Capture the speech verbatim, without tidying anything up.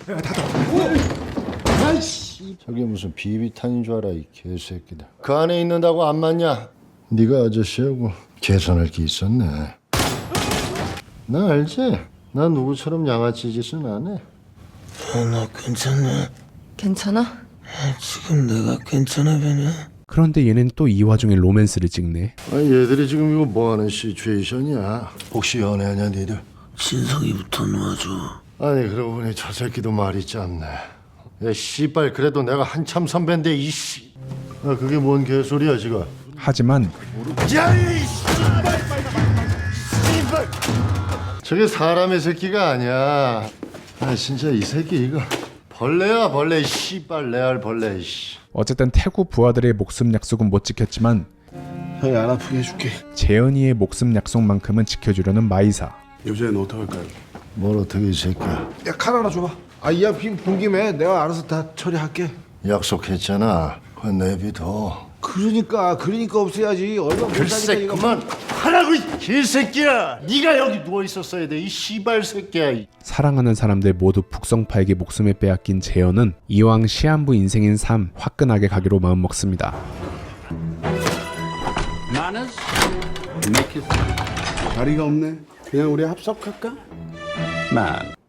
아이씨. 저게 무슨 비비탄인 줄 알아 이 개새끼들. 그 안에 있는다고 안 맞냐? 네가 아저씨하고 계산할 게 있었네. 나 알지? 나 누구처럼 양아치 짓은 안 해. 어, 나 괜찮네. 괜찮아? 지금 내가 괜찮아 보냐? 그런데 얘는 또 이 와중에 로맨스를 찍네. 아니 얘들이 지금 이거 뭐하는 시츄에이션이야? 혹시 연애하냐 니들? 진석이부터 놓아줘. 아니 그러고 보니 저 새끼도 말이 짧네. 야 씨발 그래도 내가 한참 선배인데 이씨. 아 그게 뭔 개소리야 지금. 하지만 야이 씨발 씨발. 저게 사람의 새끼가 아니야. 아 진짜 이 새끼 이거 벌레야 벌레. 씨발 레알 벌레. 씨. 어쨌든 태구 부하들의 목숨 약속은 못 지켰지만 형이 안 아프게 해줄게. 재현이의 목숨 약속만큼은 지켜주려는 마이사. 요새는 어떡할까요? 뭘 어떻게 이 새끼야. 야, 칼 하나 줘봐. 아, 이야 빈본 김에 내가 알아서 다 처리할게. 약속했잖아. 그건 내비둬. 그러니까 그러니까 없애야지. 얼마 못 글쎄 사니까 이거. 그만 하라고 이 개새끼야. 네가 여기 누워 있었어야 돼 이 씨발 새끼야. 사랑하는 사람들 모두 북성파에게 목숨을 빼앗긴 재현은 이왕 시한부 인생인 삶 화끈하게 가기로 마음먹습니다. 자리가 없네. 그냥 우리 합석할까? Man.